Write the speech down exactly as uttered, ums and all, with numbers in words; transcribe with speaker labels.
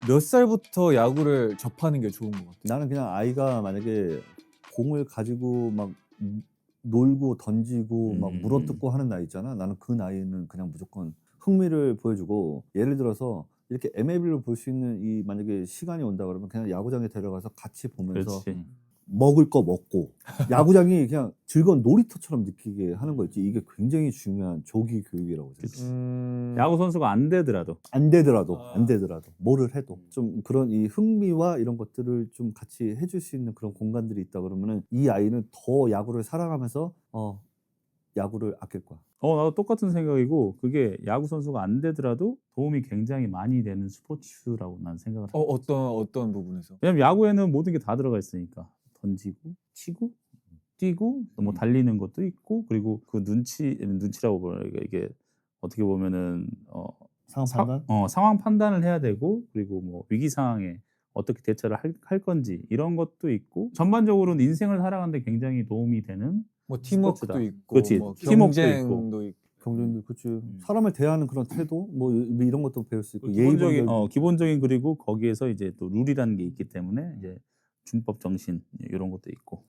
Speaker 1: 몇 살부터 야구를 접하는 게 좋은 것 같아요?
Speaker 2: 나는 그냥 아이가 만약에 공을 가지고 막 놀고 던지고 막
Speaker 3: 음.
Speaker 2: 물어뜯고 하는 나이 있잖아. 나는 그 나이는 그냥 무조건 흥미를 보여주고, 예를 들어서 이렇게 엠엘비를 볼 수 있는 이 만약에 시간이 온다 그러면 그냥 야구장에 데려가서 같이 보면서
Speaker 3: 그렇지.
Speaker 2: 먹을 거 먹고 야구장이 그냥 즐거운 놀이터처럼 느끼게 하는 거 있지. 이게 굉장히 중요한 조기 교육이라고 생각해.
Speaker 1: 음...
Speaker 3: 야구 선수가 안 되더라도
Speaker 2: 안 되더라도
Speaker 1: 아.
Speaker 2: 안 되더라도 뭐를 해도 좀 그런 이 흥미와 이런 것들을 좀 같이 해줄 수 있는 그런 공간들이 있다 그러면은 이 아이는 더 야구를 사랑하면서 어 야구를 아낄 거야.
Speaker 3: 어 나도 똑같은 생각이고, 그게 야구 선수가 안 되더라도 도움이 굉장히 많이 되는 스포츠라고 난 생각을
Speaker 1: 어,
Speaker 3: 하고.
Speaker 1: 어떤 어떤 부분에서?
Speaker 3: 왜냐면 야구에는 모든 게 다 들어가 있으니까. 던지고 치고 뛰고 뭐
Speaker 1: 음.
Speaker 3: 달리는 것도 있고, 그리고 그 눈치 눈치라고 뭐라 이게 이게 어떻게 보면은 어
Speaker 2: 상황
Speaker 3: 사-
Speaker 2: 판단?
Speaker 3: 어 상황 판단을 해야 되고, 그리고 뭐 위기 상황에 어떻게 대처를 할, 할 건지 이런 것도 있고, 전반적으로는 인생을 살아가는데 굉장히 도움이 되는
Speaker 1: 뭐 팀워크도
Speaker 3: 스포츠다.
Speaker 1: 있고,
Speaker 3: 그렇지.
Speaker 1: 뭐
Speaker 3: 팀워크도
Speaker 1: 경쟁도 있고.
Speaker 2: 경쟁도 그치. 사람을 대하는 그런 태도 뭐 이- 이런 것도 배울 수 있고
Speaker 3: 기본적인
Speaker 2: 예의범절.
Speaker 3: 어 기본적인, 그리고 거기에서 이제 또 룰이라는 게 있기 때문에 이제 준법 정신 이런 것도 있고.